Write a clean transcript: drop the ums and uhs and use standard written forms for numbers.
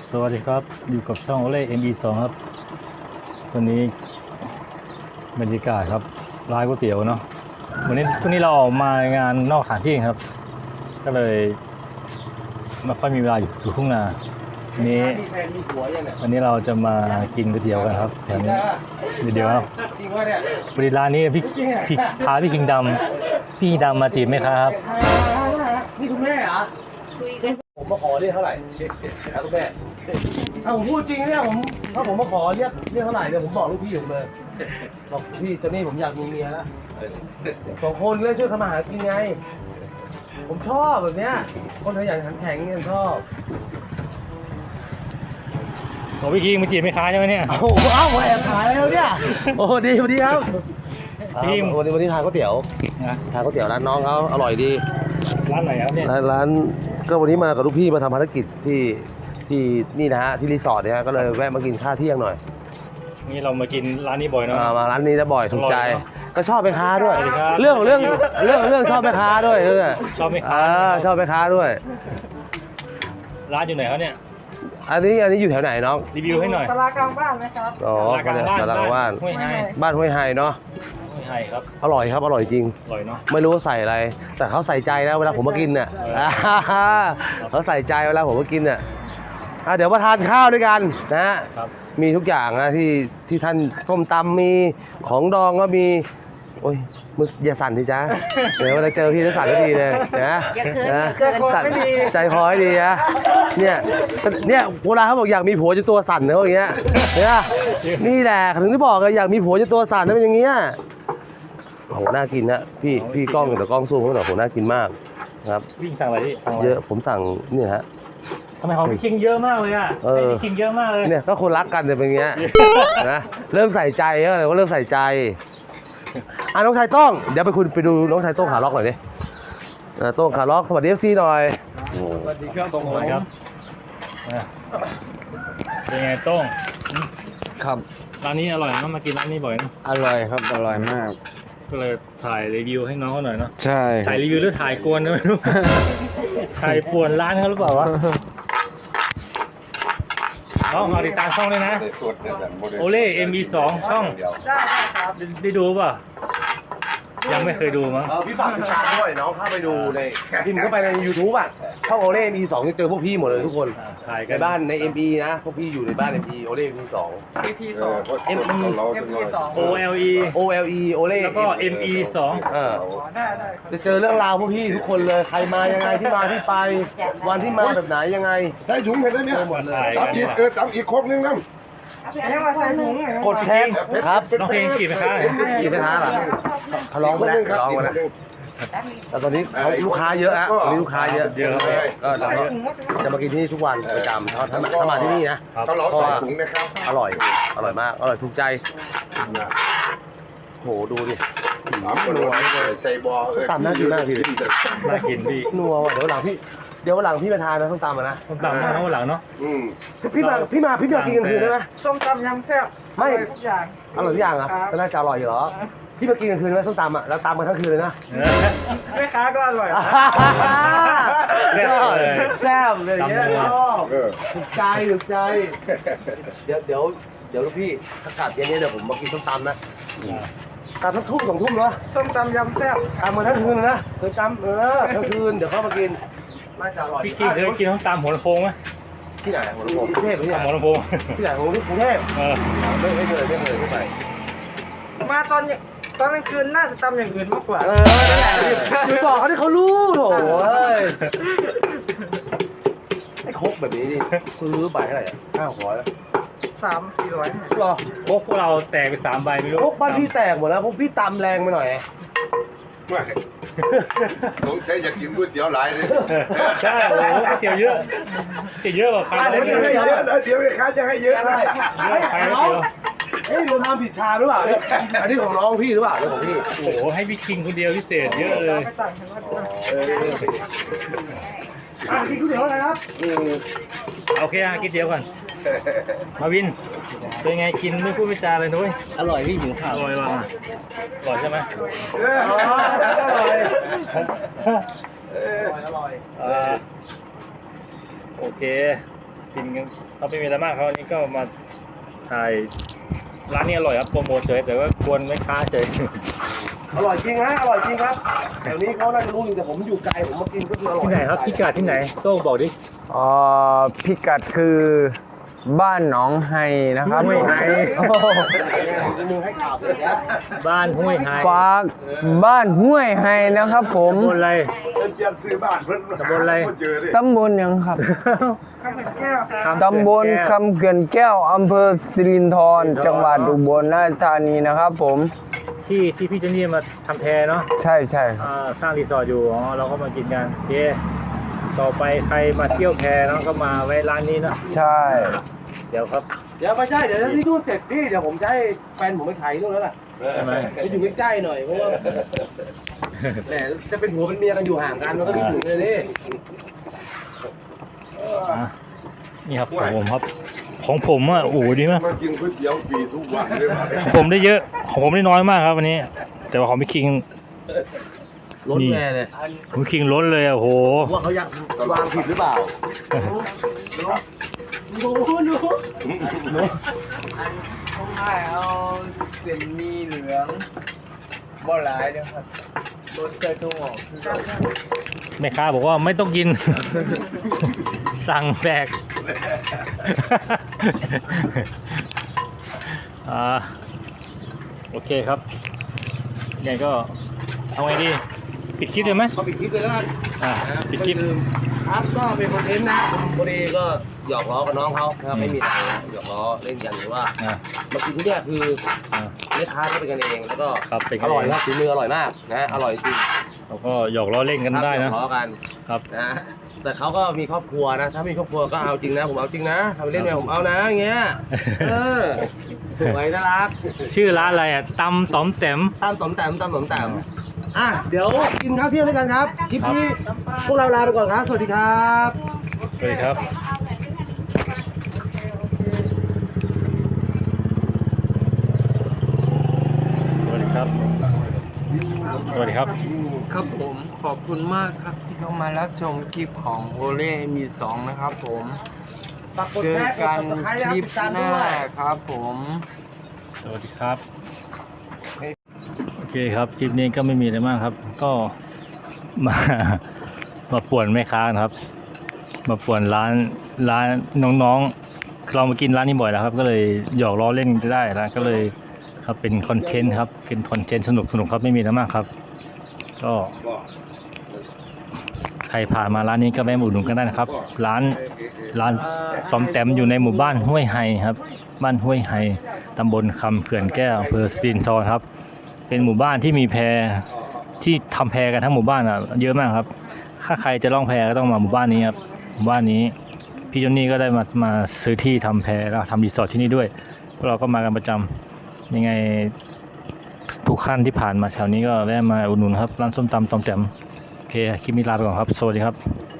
สวัสดีครับอยู่กับช่องโอเล่ ME2 ครับวันนี้บรรยากาศครับร้านก๋วยเตี๋ยวเนาะวันนี้ช่วงนี้เราออกมางานนอกสถานที่ครับก็เลยไม่ค่อยมีเวลาอยู่ทุ่งนาวันนี้เราจะมากินก๋วยเตี๋ยวกันครับแถวนี้เดี๋ยวครับบริร้านนี้พี่พาพี่คิงดำมาจีบไหมครับนี่คุณแม่เหรอผมมาขอเรียกเท่าไหร่ครับคุณแม่ถ้าผมพูดจริงเนี่ยถ้าผมมาขอเรียกเท่าไหร่เนี่ยผมบอกลูกพี่ผมเลยบอกพี่ตอนนี้ผมอยากมีเมียแล้ว2 คนเลยช่วยทำมาหากินไงผมชอบแบบเนี้ยคนขยันขันแข็งเนี่ยชอบโอ้พี่คิงมาจีบไหมคะใช่ไหมเนี่ยโอ้โหแอบขายแล้วเนี่ยโอ้ดีสวัสดีครับพี่วันนี้ทานก๋วยเตี๋ยวทานก๋วยเตี๋ยวร้านน้องเขาอร่อยดีร้านไหนครับเนี่ยร้านก็วันนี้มากับลูกพี่มาทำภารกิจที่นี่นะฮะที่รีสอร์ทเนี่ยก็เลยแวะมากินข้าวเที่ยงหน่อยนี่เรามากินร้านนี้บ่อยเนาะมาร้านนี้จะบ่อยถูกใจก็ชอบแม่ค้าด้วยครับเรื่องชอบแม่ค้าด้วยชอบแม่ค้าชอบแม่ค้าด้วยร้านอยู่ไหนครับเนี่ยอันนี้อยู่แถวไหนน้องรีวิวให้หน่อยตลาดกลางบ้านนะครับอ๋อตลาดกลางบ้านบ้านห้วยไฮเนาะห้วยไฮครับอร่อยครับอร่อยจริงอร่อยเนาะไม่รู้ว่าใส่อะไรแต่เขาใส่ใจนะเวลาผมมากินเนี่ยเขาใส่ใจเวลาผมมากินเนี่ยเดี๋ยวมาทานข้าวด้วยกันนะฮะมีทุกอย่างนะที่ท่านส้มตำมีของดองก็มีโอ้ยมึงอย่าสั่นทีจ้าเดี๋ยวเวลาเจอพี่จะสั่นทันทีเลยนะสั่นใจคอให้ดีนะเนี่ยโบราณเขาบอกอยากมีผัวจนตัวสั่นนะอย่างเงี้ยเนี่ยนี่แหละถึงที่บอกเลยอยากมีผัวจนตัวสั่นนะเป็นอย่างเงี้ยโหน่ากินนะพี่กล้องเดี๋ยวกล้องซูมเขาหน่อยโหน่ากินมากครับวิ่งสั่งอะไรดิสั่งเยอะผมสั่งนี่ฮะทำไมของพี่คิงเยอะมากเลยอ่ะพี่คิงเยอะมากเลยเนี่ยก็คนรักกันเนี่ยเป็นอย่างเงี้ยนะเริ่มใส่ใจเลยว่าเริ่มใส่ใจน้องชายต้องเดี๋ยวไปดูน้องชายต้องขาล็อกหน่อยดิต้องขาล็อกสวัสดีFCหน่อยสวัสดีครับต้องหน่อยครับเป็นไงต้องครับร้านนี้อร่อยนะมากินร้านนี้บ่อยนะอร่อยครับอร่อยมากก็เลยถ่ายรีวิวให้น้องเขาหน่อยเนาะใช่ถ่ายรีวิวหรือถ่ายกวนไม่รู้ถ่ายป่วนร้านเขาหรือเปล่าวะน้องเอาติดตามช่องด้วยนะโอเล่ ME2 ช่องได้ดูป่ะยังไม่เคยดูมั้งพี่ฝากติดตามด้วยน้องเข้าไปดูในพิมพ์เข้าไปใน YouTube อ่ะช่องโอเล่ ME2 จะเจอพวกพี่หมดเลยทุกคนในบ้านใน ME นะพวกพี่อยู่ในบ้าน ME โอเล่ ME2 ME2 OLE โอเล่แล้วก็ ME2 ได้จะเจอเรื่องราวพวกพี่ทุกคนเลยใครมายังไงที่มาที่ไปวันที่มาแบบไหนยังไงใส่ถุงเห็นแล้วเนี่ยตำอีกครบนึงนะกดแชร์ครับน้องเพลงกี่ไหมครับกี่ไหมคะเหรอเขาร้องมาแล้วแต่ตอนนี้ลูกค้าเยอะฮะตอนนี้ลูกค้าเยอะก็จะมากินที่นี่ทุกวันประจำถ้ามาที่นี่นะต้องรอใส่ถุงนะครับอร่อยมากอร่อยถูกใจโหดูดินัวใส่บอตำน่ากินมากพี่น่ากินพี่นัวเดี๋ยวหลังพี่มาทานนะส้มตำนะส้มตำนะวันหลังเนาะพี่มากินกันคืนได้ไหมส้มตำยำแซ่บไม่ทุกอย่างอร่อยทุกอย่างอ่ะก็น่าจะอร่อยอยู่หรอพี่มากินกันคืนไหมส้มตำอ่ะแล้วตำกันทั้งคืนเลยนะแม่ค้าก็อร่อยแซ่บเลยเนี่ยถูกใจเดี๋ยวลูกพี่ถ้ากลับเย็นนี้เดี๋ยวผมมากินส้มตำนะกลับทั้งทุ่ม2 ทุ่มเนาะส้มตำยำแซ่บตำมาทั้งคืนนะเคยตำทั้งคืนเดี๋ยวเข้ามากินน่าจะอร่อยพี่เคยกินส้มตำหัวลำโพงไหมที่ไหนหัวลำโพงกรุงเทพที่ไหนหัวลำโพงที่ไหนกรุงเทพไม่เคยไม่ไปมาตอนกลางคืนน่าจะตำอย่างอื่นมากกว่านั่นแหละคือบอกเขาที่เขารู้โถไอ้คกแบบนี้ดิซื้อใบเท่าไหร่ 300-400 หรอพวกเราแตกไป3 ใบไม่รู้พวกบ้านพี่แตกหมดแล้วพวกพี่ตำแรงไปหน่อยไม่สงสัยอยากกินก๋วยเตี๋ยวหลายเลยใช่โอ้โหเตี๋ยวเยอะกว่าใครเดี๋ยวไม่ค้าจะให้เยอะนะใครเตี๋ยวเฮ้ยเราทำผิดชาหรือเปล่าอันนี้ของน้องพี่หรือเปล่าของพี่โอ้โหให้พี่คิงคนเดียวพิเศษเยอะเลยกินก๋วยเตี๋ยวอะไรครับโอเคกินเตี๋ยวก่อนมาวินเป็นไงกินไม่พูดไม่จาเลยนุ้ยอร่อยพี่หิวข้าวอร่อยว่ะอร่อยใช่ไหมอร่อยโอเคกินกันเราไม่มีอะไรมากครับวันนี้ก็มาถ่ายร้านนี้อร่อยครับโปรโมทเฉยแต่ว่ากวนไม่ค้าเฉยอร่อยจริงฮะอร่อยจริงครับแถวนี้เขาน่าจะรู้จริงแต่ผมอยู่ไกลผมมากินก็คืออร่อยที่ไหนครับพิกัดที่ไหนโต้งบอกดิพิกัดคือบ้านหนองไฮนะครับห้วยไฮโอ้โหมึงให้ข่าวเลยนะบ้านห้วยไฮฝากบ้านห้วยไฮนะครับผมตำบลอะไรเปลี่ยนซื้อบ้านเพิ่นตำบลอะไรบ่เจอเลยตำบลหยังครับข้าวเป็นแก้วตำบลคำเขื่อนแก้วอำเภอสิรินธรจังหวัดอุบลราชธานีนะครับผมที่พี่เจนนี่มาทำแพเนาะใช่ใช่ครับสร้างรีสอร์ทอยู่อ๋อเราก็มากินกันโอเคต่อไปใครมาเที่ยวแพเนาะก็มาแวะร้านนี้เนาะใช่เดี๋ยวครับเดี๋ยวไม่ใช่เดี๋ยวที่นู่นเสร็จพี่เดี๋ยวผมจะให้แฟนผมไปถ่ายนู่นแล้วล่ะใช่ไหมไปอยู่ใกล้ๆหน่อยเพราะว่าแหมจะเป็นผัวเป็นเมียกันอยู่ห่างกันมันก็ไม่ถึงเลยนี่อ่ะนี่ครับของผมครับ ของผมอ่ะโอ้โหดีมากมากินก๋วยเตี๋ยวฟรีทุกวันเลยว่ะของผมได้เยอะของผมได้น้อยมากครับวันนี้ แต่ว่าของพี่คิงรถแม่เลยผมคิงล้นเลยอ่ะโอ้โหว่าเขาอยากวางผิดหรือเปล่าผมให้เอาเส้นมีเหลืองบ่หลายนะครับรสเจ้าทุ่งออกแม่ค้าบอกว่าไม่ต้องกิน สั่งแบก โอเคครับยังไงก็เอาไงดีปิดคลิปเลยไหมเขาปิดคลิปเลยแล้วกันปิดคลิปครับก็เป็นคอนเทนต์นะผมพอดีก็หยอกล้อกับน้องเขานะครับไม่มีอะไรนะหยอกล้อเล่นกันหรือว่าอ่ามากินที่เนี่ยคืออ่าแม่ค้าก็เป็นกันเองแล้วก็ครับเป็นกัอนเองร่อยครับฝีมืออร่อยมากนะอร่อยจริงเราก็หยอกล้อเล่นกันได้หยนะอกล้อกันครับนะแต่เขาก็มีครอบครัวนะ ถ้ามีครอบครัวก็เอาจริงนะผมเอาจริงนะทำไปเล่นไปผมเอานะอย่างเงี้ยเออสวยน่ารักชื่อร้านอะไรอ่ะตำต๋อมแต้มตามต๋อมแต้มตามต๋อมแต้มอ่ะเดี๋ยวกินข้าวเที่ยงด้วยกันครับคลิปนี้พวกเราลาไปก่อนครับสวัสดีครับสวัสดีครับสวัสดีครับสวัสดีครับครับผมขอบคุณมากครับที่เข้ามารับชมคลิปของโอเล่มีสองนะครับผมฝากกดเจแชอร์กกัดนติดตามคลิปติดตามหด้น้าวยครับผมสวัสดีครับโอเคครับคลิปนี้ก็ไม่มีอะไรมากครับ ก็มา มาป่วนแม่ค้านะครับ มาป่วนร้านน้องๆเรามากินร้านนี้บ่อยแล้วครับ ก็เลยหยอกล้อเล่นได้แล้วก็เลยครับเป็นคอนเทนต์ครับเป็นคอนเทนต์สนุกครับไม่มีอะไรมากครับ ก็ก็ใครผ่านมาร้านนี้ก็แวะมาอุดหนุนกันได้นะครับ ร้านตอมแต้มอยู่ในหมู่บ้านห้วยไฮครับ บ้านห้วยไฮตำบลคำเขื่อนแก้วอำเภอสิรินธรครับ เป็นหมู่บ้านที่มีแพที่ทำแพกันทั้งหมู่บ้านอ่ะเยอะมากครับ ถ้าใครจะล่องแพก็ต้องมาหมู่บ้านนี้ครับหมู่บ้านนี้พี่จอนนี่ก็ได้มาซื้อที่ทำแพแล้วทำรีสอร์ทที่นี่ด้วยพวกเราก็มากันประจำยังไงทุกขั้นที่ผ่านมาแถวนี้ก็แวะมาอุดหนุนครับร้านส้มตำตอมแต้มโอเคคลิปนี้ลาไปก่อนครับสวัสดีครับ